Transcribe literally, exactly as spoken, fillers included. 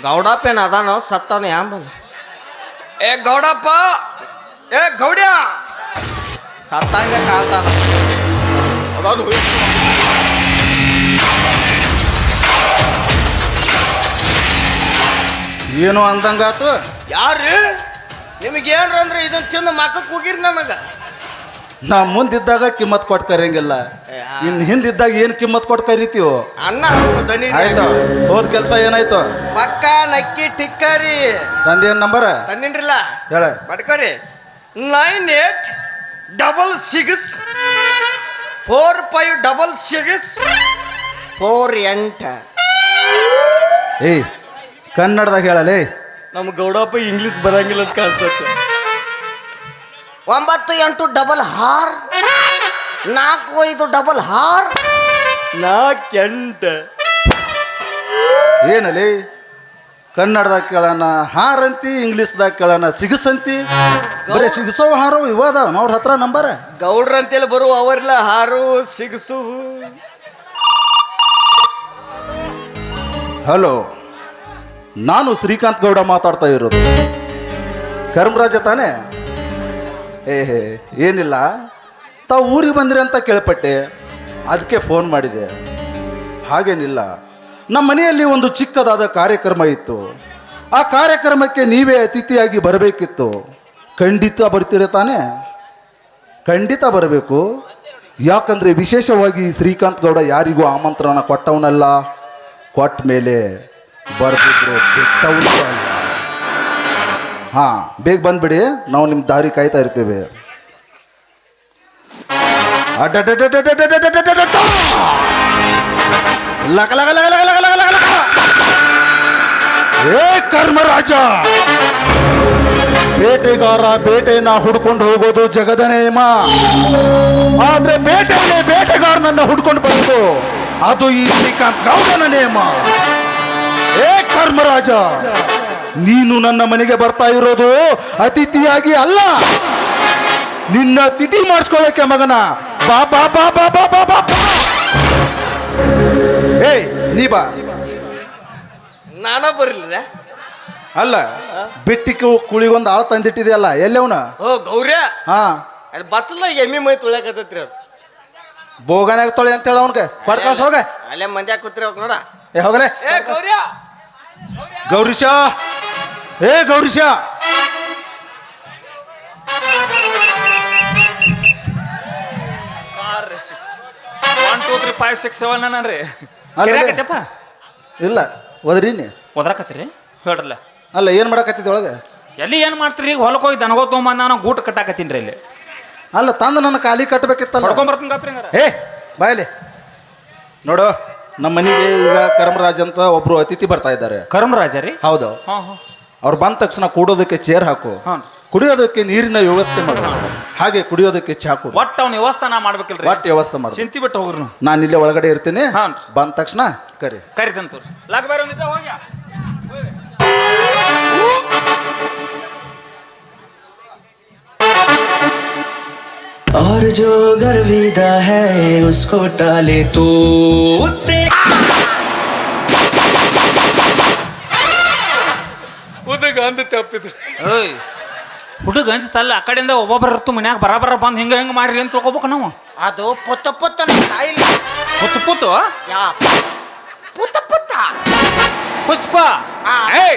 ಗೌಡಪ್ಪೇನ ಅದಾನ ಸತ್ತಾನ ಯಾಂಬಲ್ ಏ ಗೌಡಪ್ಪ ಏ ಗೌಡ್ಯ ಸತ್ತಂಗೆ ಕಾಳ್ತಾನ ಅದಾನು ಏನು ಅಂದಂಗಾತು. ಯಾರು ನಿಮಗೇನ್ರ ಅಂದ್ರೆ ಇದನ್ನ ತಿಂದು ಮಕ್ಕಕ್ಕೆ ಹೋಗಿರಿ ನನಗೆ. ನಾ ಮುಂದಿದ್ದಾಗ ಕಿಮ್ಮತ್ ಕೊಟ್ಟು ಕರಿಯಂಗಿಲ್ಲ, ಇನ್ ಹಿಂದಿದ್ದಾಗ ಏನ್ ಕಿಮ್ಮತ್ ಕೊಟ್ಟು ಕರಿತೀವೋ. ಅನ್ನ ಹಾಕು ದನಿ ಆಯ್ತು, ಹೋದ್ ಕೆಲಸ ಏನಾಯ್ತು? ಪಕ್ಕ ನಕ್ಕಿ ಟಿಕ್ಕರಿ ತಂದೇನ್ ನಂಬರ್ ತಂದಿನ್ರಿಲ್ಲ ಹೇಳ. ಬಡ್ಕರಿ nine eight double six four five double six four ಎಂಟ. ಏಯ್ ಕನ್ನಡದಾಗ ಹೇಳಲೇ. ನಮ್ಮ ಗೌಡಪ್ಪ ಇಂಗ್ಲಿಷ್ ಬರಂಗಿಲ್ಲ ಅಂತ ಕಾಣಿಸುತ್ತೆ. ಒಂಬತ್ತು ಎಂಟು ಡಬಲ್ ಹಾರ್ ನಾಲ್ಕು ಐದು ಡಬಲ್ ಹಾರ್ ನಾಲ್ಕೆಂಟ. ಏನಲಿ ಕನ್ನಡದಾಗ ಕೇಳೋಣ ಹಾರಂತಿ, ಇಂಗ್ಲೀಷ್ದಾಗ ಕೇಳೋಣ ಸಿಗಸಂತಿ. ಬರೀ ಸಿಗಸೋ ಹಾರೋ ಇವಾದ ಅವ್ರ ಹತ್ರ ನಂಬರ್. ಗೌಡ್ರ ಅಂತೇಳಿ ಬರುವ ಅವರಿಲ್ಲ ಹಾರು ಸಿಗಸು. ಹಲೋ, ನಾನು ಶ್ರೀಕಾಂತ್ ಗೌಡ ಮಾತಾಡ್ತಾ ಇರೋದು. ಕರ್ಮರಾಜ ತಾನೇ? ಏ ಹೇ ಏನಿಲ್ಲ, ತಾವು ಊರಿಗೆ ಬಂದ್ರಿ ಅಂತ ಕೇಳ್ಪಟ್ಟೆ, ಅದಕ್ಕೆ ಫೋನ್ ಮಾಡಿದೆ. ಹಾಗೇನಿಲ್ಲ, ನಮ್ಮ ಮನೆಯಲ್ಲಿ ಒಂದು ಚಿಕ್ಕದಾದ ಕಾರ್ಯಕ್ರಮ ಇತ್ತು. ಆ ಕಾರ್ಯಕ್ರಮಕ್ಕೆ ನೀವೇ ಅತಿಥಿಯಾಗಿ ಬರಬೇಕಿತ್ತು. ಖಂಡಿತ ಬರ್ತೀರ ತಾನೇ? ಖಂಡಿತ ಬರಬೇಕು. ಯಾಕಂದರೆ ವಿಶೇಷವಾಗಿ ಶ್ರೀಕಾಂತ್ ಗೌಡ ಯಾರಿಗೂ ಆಮಂತ್ರಣ ಕೊಟ್ಟವನಲ್ಲ, ಕೊಟ್ಟ ಮೇಲೆ ಬರ್ತಿದ್ರು ಬಿಟ್ಟವನು. ಹಾಂ, ಬೇಗ ಬಂದ್ಬಿಡಿ, ನಾವು ನಿಮ್ಮ ದಾರಿ ಕಾಯ್ತಾ ಇರ್ತೀವಿ. ಲಕ ಲಕ ಲಕ ಲಕ ಲಕ ಲಕ ಲಕ. ಏ ಕರ್ಮರಾಜ, ಬೇಟೆಗಾರ ಬೇಟೆನ ಹುಡ್ಕೊಂಡು ಹೋಗೋದು ಜಗದ ನೇಮ. ಆದ್ರೆ ಬೇಟೆಯಲ್ಲಿ ಬೇಟೆಗಾರನನ್ನ ಹುಡ್ಕೊಂಡು ಬರೋದು ಅದು ಈ ಶ್ರೀಕಾಂತ್ ಗೌಡನ ನೇಮ. ಏ ಕರ್ಮರಾಜ, ನೀನು ನನ್ನ ಮನೆಗೆ ಬರ್ತಾ ಇರೋದು ಅತಿಥಿಯಾಗಿ ಅಲ್ಲ, ನಿನ್ನ ತಿಥಿ ಮಾಡಿಸ್ಕೊಳ್ಳೋಕೆ ಮಗನ. ಬಾ ಬಾ ಬಾ ಬಾ ಬಾ ಬಾ ಬಾ. ಏಯ್ ನೀ ಬಾ. ನಾನ ಬರಲಿಲ್ಲ ಅಲ್ಲ, ಬಿಟ್ಟಿಗೆ ಕುಳಿಗೊಂದು ಆಳು ತಂದಿಟ್ಟಿದೆಯಲ್ಲ, ಎಲ್ಲವನ? ಓ ಗೌರ್ಯ, ಹಾ, ಅಲ್ಲಿ ಬಚ್ಚಲ ಎಮ್ಮಿ ಮೈ ತೊಳ್ಯಾಕತ್ತೈತ್ರಿ ಅವ್ರು. ಬೋಗನ್ಯಾಗ ತೊಳೆ ಅಂತ ಹೇಳ ಅವನ್ಗೆ ಕೊಡ್ಕಾಸ್ ಹೋಗ. ಅಲ್ಲೇ ಮಂದ್ಯಾಗ ಕೂತ್ರಿ ನೋಡ. ಏ ಹೋಗಲೇ. ಏ ಗೌರ್ಯ, ಗೌರೀಶ, ಏ Gourisha, one two three five six seven ನನ್ರಿ ಇಲ್ಲ ಒದ್ರೀನಿ ಒದ್ರಾಕತ್ತೀರಿ ಹೇಳ್ರಲ್ಲ. ಅಲ್ಲ ಏನು ಮಾಡಕತ್ತಿದ್ದೆ ಒಳಗೆ? ಎಲ್ಲಿ ಏನು ಮಾಡ್ತೀರಿ? ಈಗ ಹೊಲಕ್ಕೆ ಹೋಗಿ ದನಗೋ ತೊಗೊಂಬಂದು ನಾನು ಗೂಟ ಕಟ್ಟಾಕತ್ತೀನಿ ರೀ ಇಲ್ಲಿ. ಅಲ್ಲ ತಂದು ನನ್ನ ಖಾಲಿ ಕಟ್ಟಬೇಕಿತ್ತಲ್ಲ. ಹೊಡ್ಕೊಂಬರ್ತೀನಿ ಗಪ್ರಿ ಹಂಗಾರ. ಏ ಬಾಯಲಿ ನೋಡು, ನಮ್ಮ ಮನೆಗೆ ಈಗ ಕರ್ಮರಾಜ್ ಅಂತ ಒಬ್ರು ಅತಿಥಿ ಬರ್ತಾ ಇದ್ದಾರೆ. ಕರ್ಮರಾಜ ರೀ? ಹೌದು. ಹಾಂ ಹಾಂ. ಅವ್ರು ಬಂದ ತಕ್ಷಣ ಕೂಡೋದಕ್ಕೆ ಚೇರ್ ಹಾಕು, ಹಾಂ, ಕುಡಿಯೋದಕ್ಕೆ ನೀರಿನ ವ್ಯವಸ್ಥೆ ಮಾಡು, ಹಾಗೆ ಕುಡಿಯೋದಕ್ಕೆ ಚಾ ಕೊಡು. ಒಟ್ಟು ಅವ್ನ ವ್ಯವಸ್ಥೆ ನಾ ಮಾಡ್ಬೇಕಿಲ್ರಿ? ಒಟ್ಟು ವ್ಯವಸ್ಥೆ ಮಾಡು. ಚಿಂತಿ ಬಿಟ್ಟು ಹೋಗ್ರಿ. ನಾನು ಇಲ್ಲೇ ಒಳಗಡೆ ಇರ್ತೀನಿ. ಹಾಂ, ಬಂದ ತಕ್ಷಣ ಕರಿ ಕರಿತಂತ ಲಾಗ ಬೇರೆ ಒಂದಿದ್ದ ಹೋಗ್ಯ. और जो गर्विदा है उसको टाले तो ಹುಡುಗ ಅಂದ ತಪ್ಪಿದ್ರು. ಓಯ್ ಹುಡುಗ ಅಂಜತಲ್ಲ, ಆ ಕಡೆಯಿಂದ ಒಬ್ಬೊಬ್ಬರ ಇರ್ತು ಮನ್ಯಾಗ ಬರಾಬರ ಬಂದು ಹಿಂಗ ಹಿಂಗ ಮಾಡ್ರಿ ಅಂತ ತಿಳ್ಕೊಬೇಕು ನಾವು. ಅದು ಪುತ್ತ ಪುತ್ತ ಸ್ಟೈಲ್. ಪುತ್ತು ಪುತ್ತು ಯಾ ಪುತ್ತ ಪುತ್ತ ಪುಷ್ಪ. ಆ. ಏಯ್